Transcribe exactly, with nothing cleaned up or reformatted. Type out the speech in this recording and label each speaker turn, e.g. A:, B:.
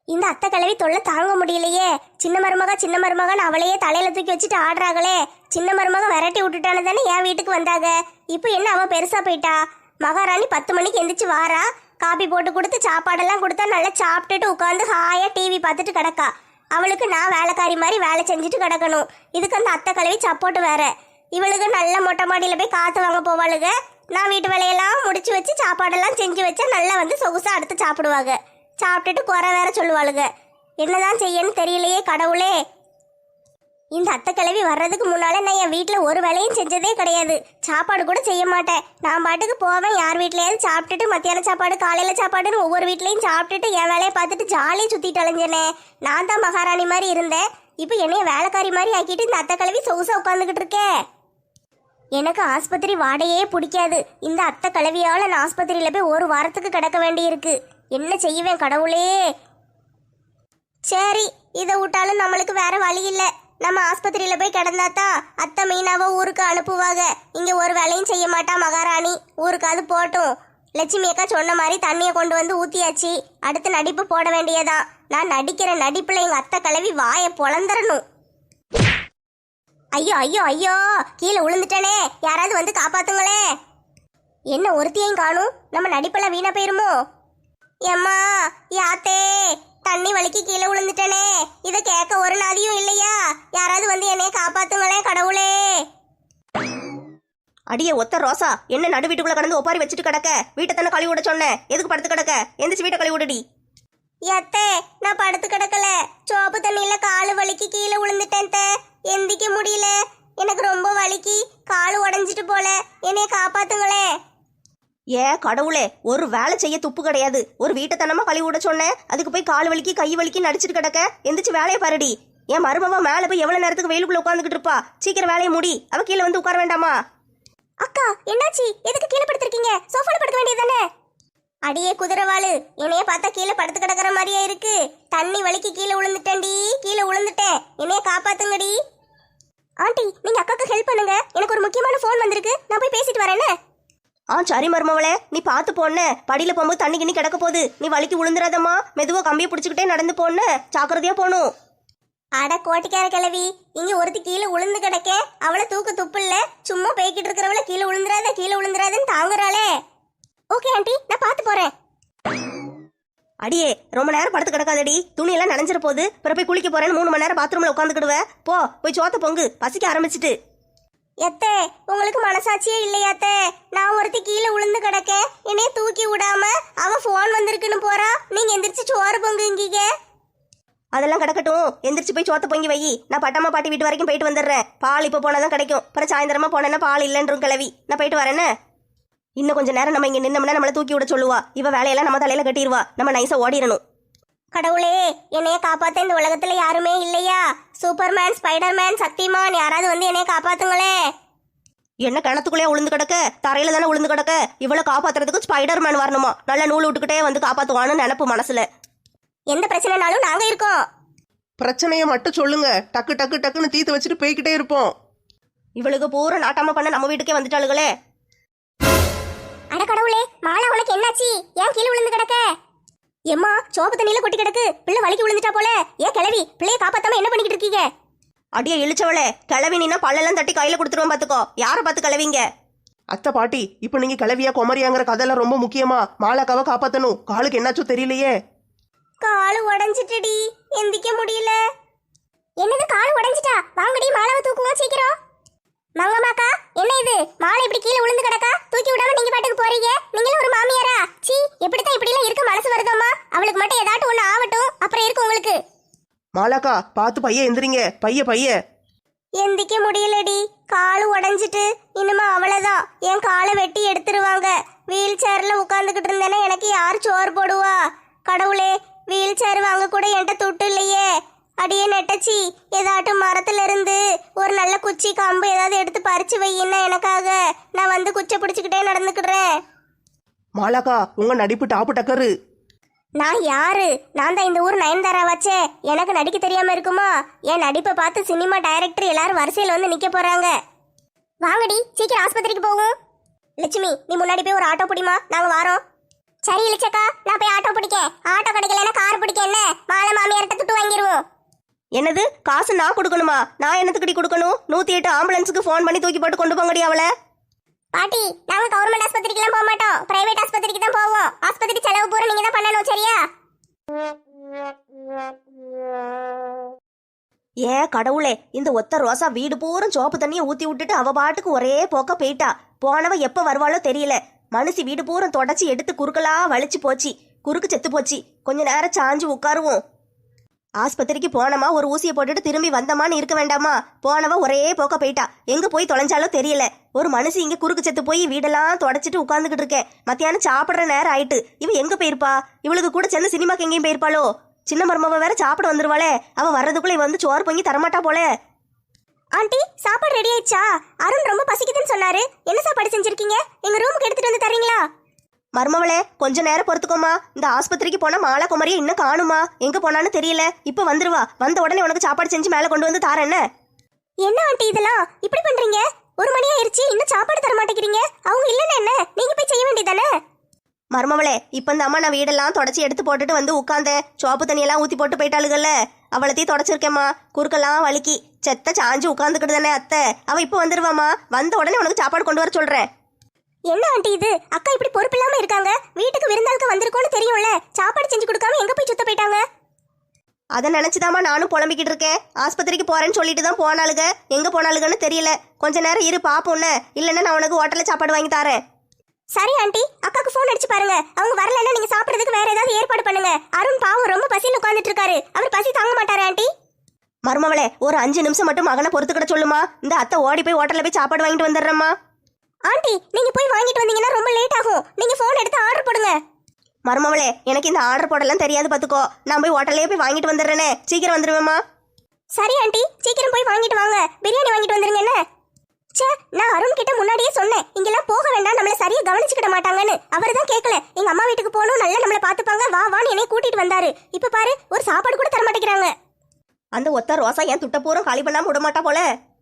A: இந்த அத்தை கிழவி தொல்லை தாங்க முடியலையே. சின்ன மருமக சின்ன மருமகன்னு அவளையே தலையில தூக்கி வச்சுட்டு ஆடுறாங்களே. சின்ன மருமக விரட்டி விட்டுட்டானு தானே என் வீட்டுக்கு வந்தாங்க. இப்போ என்ன அவ பெருசா போயிட்டா? மகாராணி பத்து மணிக்கு எந்திரிச்சு வாரா, காபி போட்டு கொடுத்து சாப்பாடெல்லாம் கொடுத்தா நல்லா சாப்பிட்டுட்டு உட்காந்து ஹாயா டிவி பார்த்துட்டு கிடக்கா. அவளுக்கு நான் வேலைக்காரி மாதிரி வேலை செஞ்சுட்டு கிடக்கணும். இதுக்கு அந்த அத்தை கிழவி சப்போர்ட் வேற. இவளுக்கு நல்ல மொட்டை மாடியில போய் காத்து வாங்க போவாளுங்க. நான் வீட்டு வேலையெல்லாம் முடிச்சு வச்சு சாப்பாடெல்லாம் செஞ்சு வச்சா நல்லா வந்து சொகுசா அடுத்து சாப்பிடுவாங்க. சாப்பிட்டுட்டு குறை வேற சொல்லுவாளுங்க. என்னதான் செய்யன்னு தெரியலையே கடவுளே. இந்த அத்தை கிழவி வர்றதுக்கு முன்னால நான் என் வீட்டில் ஒரு வேலையும் செஞ்சதே கிடையாது. சாப்பாடு கூட செய்ய மாட்டேன். நான் பாட்டுக்கு போவேன், யார் வீட்லயாவது சாப்பிட்டுட்டு மத்தியான சாப்பாடு காலையில சாப்பாடுன்னு ஒவ்வொரு வீட்லையும் சாப்பிட்டுட்டு என் வேலையை பார்த்துட்டு ஜாலியாக சுத்திட்டு அலைஞ்சனே. நான் தான் மகாராணி மாதிரி இருந்தேன். இப்போ என்னைய வேலைக்காரி மாதிரி ஆக்கிட்டு இந்த அத்தை கிழவி சொகுசா உட்காந்துக்கிட்டு இருக்கேன். எனக்கு ஆஸ்பத்திரி வாடையே பிடிக்காது. இந்த அத்தை கிழவியால நான் ஆஸ்பத்திரியில போய் ஒரு வாரத்துக்கு கிடக்க வேண்டியிருக்கு. என்ன செய்வேன் கடவுளே. சரி, இதை விட்டாலும் நம்மளுக்கு வேற வழி இல்லை. நம்ம ஆஸ்பத்திரியில போய் கிடந்தாதான் அத்தை மீனாவை ஊருக்கு அனுப்புவாங்க. இங்க ஒரு வேலையும் செய்ய மாட்டா மகாராணி. ஊருக்காவது போட்டும். லட்சுமி அக்கா சொன்ன மாதிரி தண்ணியை கொண்டு வந்து ஊத்தியாச்சு. அடுத்து நடிப்பு போட வேண்டியதான். நான் நடிக்கிற நடிப்புல எங்க அத்தை கிழவி வாயை பொழந்துடணும். ஐயோ ஐயோ ஐயோ, கீழே விழுந்துட்டனே, யாராவது வந்து காப்பாத்துங்களே. என்ன ஒருத்தியையும் காணும்? நம்ம நடிப்பெல்லாம் வீணா போயிருமோ? ஏம்மா யாத்தே, தண்ணி வலிக்கு கீழே விழுந்துட்டனே. இதை கேட்க ஒரு நாதியும் இல்லையா? யாராவது வந்து என்னைய காப்பாத்துங்களே கடவுளே.
B: அடியே ஒத்த ரோசா, என்ன நடு வீட்டுக்குள்ள கடந்து ஒப்பாரி வச்சுட்டு கிடக்க? வீட்டை தானே கழுவி விட சொன்னேன், எதுக்கு படுத்து கிடக்க? எந்திரிச்சு வீட்டை கழுவி விடுடி.
A: ஏத்தே, நான் படுத்து கிடக்கல. சோப்பு தண்ணியில காலு வலிக்கு கீழே விழுந்துட்டேன். எந்திக்க முடியல, எனக்கு ரொம்ப வலிக்கு, காலு உடஞ்சிட்டு போல. என்னைய காப்பாத்துங்களே.
B: ஏ கடவுளே, ஒரு வேலை செய்ய துப்பு கிடையாது. ஒரு வீட்டை தனமா கழுவி விட சொன்னேன், அதுக்கு போய் கால் வலிக்கு கை வலிக்கு நடிச்சிட்டு கிடக்க. எந்திரிச்சு வேலையை பாருடி. என் மருமவ மேல போய் எவ்வளவு நேரத்துக்கு வெயிலுக்குள்ள உட்காந்துக்கிட்டு இருப்பா? சீக்கிரம் வேலையை முடி. அவ கீழே வந்து உட்கார வேண்டாமா?
A: அக்கா என்னாச்சு? எதுக்கு கீழே படுத்திருக்கீங்க? சோஃபால படுக்க வேண்டியதானே? அடியே குதிரவாளு, என்னைய பார்த்தா கீழே படுத்து கிடக்குற மாதிரியா இருக்கு. தண்ணி வலிக்கு கீழே விழுந்துட்டேன்டி, கீழே விழுந்துட்டேன். என்னைய காப்பாத்துங்கடி. ஆண்டி, நீங்க அக்காக்கு ஹெல்ப் பண்ணுங்க. எனக்கு ஒரு முக்கியமான போன் வந்திருக்கு, நான் போய் பேசிட்டு வரேன்னு.
B: ஆ சரி மருமவளே, நீ பார்த்து போன. படியில போகும்போது தண்ணி கிண்ணி கிடக்க போகுது. நீ வலிக்கு விழுந்துடாதம்மா. மெதுவா கம்பியை பிடிச்சிக்கிட்டே நடந்து போன. ஜாக்கிரதையா போகணும்.
A: அட கோட்டிக்கார கிழவி, இங்க ஒருத்தி கீழே உளுந்து கிடக்க. அவளை தூக்க துப்பு இல்ல. சும்மா பேய்கிட்டு இருக்கிறவள கீழே விழுந்துராத கீழே விழுந்துராதுன்னு தாங்குறாளே. ஓகே ஆண்டி, நான் பார்த்து போறேன்.
B: அடியே, ரொம்ப நேரம் படுத்து கிடக்காதடி. துணியெல்லாம் நனைஞ்சிட போகுது. பிற போய் குளிக்க போறேன்னு மூணு மணி நேரம் பாத்ரூம்ல உட்காந்துக்கிடுவேன். போ போய் சோத்த பொங்கு, பசிக்க ஆரம்பிச்சிட்டு.
A: எத்தே, உங்களுக்கு மனசாட்சியே இல்லையாத்தே? நான் ஒருத்தி கீழே விழுந்து கிடக்க, என்னைய தூக்கி விடாம அவ போன் வந்திருக்குன்னு போறா. நீங்க எந்திரிச்சு சோறு பொங்குங்கீங்க.
B: அதெல்லாம் கிடக்கட்டும், எந்திரிச்சு போய் சோத்த பொங்கி வை. நான் பட்டம்மா பாட்டி வீட்டு வரைக்கும் போயிட்டு வந்துடுறேன். பால் இப்போ போனாதான் கிடைக்கும். அப்புறம் சாயந்தரமா போனேன்னா பால் இல்லைன்றும் கிளவி. நான் போயிட்டு வரேன்னு. இன்னும் கொஞ்சம் நேரம் நம்ம இங்க நின்னோம்னா நம்மளை தூக்கி விட சொல்லுவா. இவ வேலையெல்லாம் நம்ம தலையில கட்டிடுவா. நம்ம நைஸா ஓடிடணும்.
A: கடவுளே, என்னைய காப்பாத்த இந்த உலகத்துல யாருமே இல்லையா? சூப்பர்மேன், ஸ்பைடர்மேன், சக்திமான், யாராவது வந்து என்னைய காப்பாத்துங்களே.
B: என்ன கிணத்துக்குள்ளே உளுந்து கிடக்க? தரையில தானே உளுந்து கிடக்க. இவ்வளவு காப்பாத்துறதுக்கு ஸ்பைடர்மேன் வரணுமா? நல்ல நூல் விட்டுக்கிட்டே வந்து காப்பாத்துவான்னு நினைப்பு மனசுல.
A: எந்த பிரச்சனைனாலும் நாங்க இருக்கோம்.
C: பிரச்சனையை மட்டும் சொல்லுங்க, டக்கு டக்கு டக்குன்னு தீர்த்து வச்சுட்டு போய்கிட்டே இருப்போம்.
B: இவளுக்கு பூரா நாட்டாம பண்ண நம்ம வீட்டுக்கே வந்துட்டாளுகளே.
A: அட கடவுளே, மாலா உனக்கு என்னாச்சு? ஏன் கீழே விழுந்து கிடக்க? எம்மா, சோப்பு தண்ணியில கொட்டி கிடக்கு. பிள்ளை வலிக்கு விழுந்துட்டா போல. ஏன் கிளவி, பிள்ளைய காப்பாத்தாம என்ன பண்ணிக்கிட்டு இருக்கீங்க?
B: அடியே இழிச்சவளே, கிளவி நீனா பல்லெல்லாம் தட்டி கையில கொடுத்துருவோம் பாத்துக்கோ. யார பார்த்து கிளவிங்க?
C: அத்தை பாட்டி, இப்ப நீங்க கிளவியா குமரியாங்கிற கதையெல்லாம் ரொம்ப முக்கியமா. மாலாக்காவை காப்பாத்தணும். காலுக்கு என்னாச்சோ தெரியலையே.
A: காலு உடஞ்சிட்டுடி, எந்திக்க முடியல. என்னது காலு உடஞ்சிட்டா? வாங்கடி மாலாவை தூக்குவோம் சீக்கிரம். மங்கம்மாக்கா, என்ன இது? மாலை இப்படி கீழே விழுந்து கிடக்கா. தூக்கி விடாம நீங்க பாட்டுக்கு போறீங்க. நீங்களும் ஒரு மாமியாரா? சீ, எப்படித்தான் இப்படி எல்லாம் இருக்க மனசு வருதம்மா? அவளுக்கு மட்டும் ஏதாட்டும் ஒண்ணு ஆகட்டும், அப்புறம் இருக்கு உங்களுக்கு.
C: மாலாக்கா, பார்த்து பைய எந்திரிங்க. பைய பைய
A: எந்திக்க முடியலடி, காலு உடஞ்சிட்டு. இனிமே அவ்வளவுதான், என் காலை வெட்டி எடுத்துருவாங்க. வீல் சேர்ல உட்காந்துக்கிட்டு இருந்தேன்னா எனக்கு யார் சோறு போடுவா? கடவுளே, வீல் சேர் வாங்க கூட என்கிட்ட துட்டு இல்லையே. அடியே நெட்டச்சி, ஏதாட்டும் மரத்துல இருந்து ஒரு நல்ல குச்சி கம்பு ஏதாவது எடுத்து பறிச்சு வையின்னா எனக்காக. நான் வந்து குச்சை பிடிச்சுக்கிட்டே நடந்துக்கிடுறேன்.
C: மாலாக்கா, உங்க நடிப்பு டாப்பு டக்கரு.
A: நான் யாரு? நான் தான் இந்த ஊர் நயன்தாரா வச்சே. எனக்கு நடிக்க தெரியாம இருக்குமா? என் நடிப்பை பார்த்து சினிமா டைரக்டர் எல்லாரும் வரிசையில் வந்து நிக்க போறாங்க. வாங்கடி, சீக்கிரம் ஆஸ்பத்திரிக்கு போகும். லட்சுமி, நீ முன்னாடி போய் ஒரு ஆட்டோ பிடிமா, நாங்க வாரோம். சரி இளிச்சக்கா, நான் போய் ஆட்டோ பிடிக்கேன். ஆட்டோ கிடைக்கலன்னா கார் பிடிக்க என்ன, மாலை மாமியார்ட்ட துட்டு வாங்கிடுவோம்.
B: என்னது காசு நான் கொடுக்கணுமா? நான் என்னத்துக்கடி கொடுக்கணும்? நூத்தி எட்டு ஆம்புலன்ஸுக்கு ஃபோன் பண்ணி தூக்கி போட்டு கொண்டு போங்கடி அவளை.
A: பாட்டி, நாங்க கவர்மெண்ட் ஆஸ்பத்திரிக்கெல்லாம் போக மாட்டோம், பிரைவேட் ஆஸ்பத்திரிக்கு தான் போவோம். ஆஸ்பத்திரி செலவு பூரா நீங்க தான் பண்ணணும், சரியா?
B: ஏ கடவுளே, இந்த ஒத்த ரோசா வீடு பூரம் சோப்பு தண்ணியை ஊத்தி விட்டுட்டு அவ பாட்டுக்கு ஒரே போக்க போயிட்டா. போனவ எப்ப வருவாளோ தெரியல. மனுஷி வீடு பூரம் தொடச்சி எடுத்து குறுக்கலா வலிச்சு போச்சு. குறுக்கு செத்து போச்சு. கொஞ்ச நேரம் சாஞ்சு உட்காருவோம். ஆஸ்பத்திரிக்கு போனமா ஒரு ஊசியை போட்டுட்டு திரும்பி வந்தமான்னு இருக்க வேண்டாமா? போனவ ஒரே போக்க போயிட்டா. எங்க போய் தொலைஞ்சாலோ தெரியல. ஒரு மனுஷி இங்க குறுக்கு செத்து போய் வீடெல்லாம் தொடச்சிட்டு உட்கார்ந்துகிட்டு இருக்கேன். மத்தியானம் சாப்பிடுற நேரம் ஆயிட்டு. இவ எங்க போயிருப்பா? இவளுக்கு கூட சேர்ந்து சினிமாக்கு எங்கேயும் போயிருப்பாளோ? சின்ன மருமவ வேற சாப்பிட வந்துருவாளே. அவ வர்றதுக்குள்ள வந்து சோறு பொங்கி தரமாட்டா போல.
A: ஆண்டி, சாப்பாடு ரெடி ஆயிடுச்சா? அருண் ரொம்ப பசிக்குதுன்னு சொன்னாரு. என்ன சாப்பாடு செஞ்சிருக்கீங்க? எங்க ரூமுக்கு எடுத்துட்டு வந்து தரீங்களா?
B: மருமவளே, கொஞ்ச நேரம் பொறுத்துக்கோமா. இந்த ஆஸ்பத்திரிக்கு போனா மாலை குமரியை இன்னும் காணுமா? எங்க போனான்னு தெரியல. இப்ப வந்துருவா. வந்த உடனே உனக்கு சாப்பாடு செஞ்சு மேல கொண்டு வந்து தாரேன். என்ன
A: என்ன ஆண்டி இதெல்லாம் இப்படி பண்றீங்க? ஒரு மணி ஆயிருச்சு, இன்னும் சாப்பாடு தர மாட்டேங்கிறீங்க. அவங்க இல்லன்னா என்ன, நீங்க போய் செய்ய வேண்டியதானே?
B: மருமவளே, இப்ப இந்த அம்மா நான் வீடெல்லாம் தொடச்சி எடுத்து போட்டுட்டு வந்து உட்காந்தேன். சோப்பு தண்ணியெல்லாம் ஊத்தி போட்டு போயிட்டாளுகள்ல, அவளத்தையும் தொடச்சிருக்கேம்மா. குறுக்கெல்லாம் வலிக்கி செத்த சாஞ்சு உட்காந்துக்கிட்டு தானே அத்தை. அவ இப்ப வந்துருவாமா. வந்த உடனே உனக்கு சாப்பாடு கொண்டு வர சொல்றேன்.
A: என்ன ஆண்டி இது? அக்கா இப்படி பொறுப்பு இல்லாம இருக்காங்க. வீட்டுக்கு விருந்தாளுக்கு வந்திருக்கோன்னு தெரியும்ல, சாப்பாடு செஞ்சு கொடுக்காம எங்க போய் சுத்த போயிட்டாங்க?
B: அதை நினைச்சுதாமா நானும் புலம்பிக்கிட்டு இருக்கேன். ஆஸ்பத்திரிக்கு போறேன்னு சொல்லிட்டு தான் போனாளுக. எங்க போனாளுகன்னு தெரியல. கொஞ்ச நேரம் இரு பாப்போம்னு. இல்லைன்னா நான் உனக்கு ஹோட்டல்ல சாப்பாடு வாங்கி தரேன்.
A: சரி ஆண்டி, அக்காக்கு ஃபோன் அடிச்சு பாருங்க. அவங்க வரலன்னா நீங்க சாப்பிடுறதுக்கு வேற ஏதாவது ஏற்பாடு பண்ணுங்க. அருண் பாவம் ரொம்ப பசின்னு உட்கார்ந்துட்டு இருக்காரு. அவர் பசி தாங்க மாட்டாரு ஆண்டி.
B: மருமவளே, ஒரு அஞ்சு நிமிஷம் மட்டும் மகனை பொறுத்துக்கிட சொல்லுமா. இந்த அத்தை ஓடி போய் ஹோட்டல்ல போய் சாப்பாடு வாங்கிட்டு வந்துடுறேம்மா.
A: ஆண்டி, நீங்க போய் வாங்கிட்டு வந்தீங்கன்னா ரொம்ப லேட் ஆகும். நீங்க ஃபோன் எடுத்து ஆர்டர் போடுங்க.
B: மருமவளே, எனக்கு இந்த ஆர்டர் போடலாம் தெரியாது பாத்துக்கோ. நான் போய் ஹோட்டல்லே போய் வாங்கிட்டு வந்துடுறேனே. சீக்கிரம் வந்துருவேம்மா.
A: சரி ஆண்டி, சீக்கிரம் போய் வாங்கிட்டு வாங்க. பிரியாணி வாங்கிட்டு வந்துருங்க. என்ன சே, நான் அருண் கிட்ட முன்னாடியே சொன்னேன், இங்கெல்லாம் போக வேண்டாம், நம்மள சரியா கவனிச்சுக்கிட மாட்டாங்கன்னு. அவர் தான் கேட்கல. எங்க அம்மா வீட்டுக்கு போகணும், நல்லா நம்மள பாத்துப்பாங்க, வா வான்னு என்னை கூட்டிட்டு வந்தாரு. இப்ப பாரு, ஒரு சாப்பாடு கூட தர மாட்டேங்கிறாங்க.
B: அந்த ஒத்த ரோசா என் துட்ட பூரம் காலி பண்ணாம விட மாட்டா போல.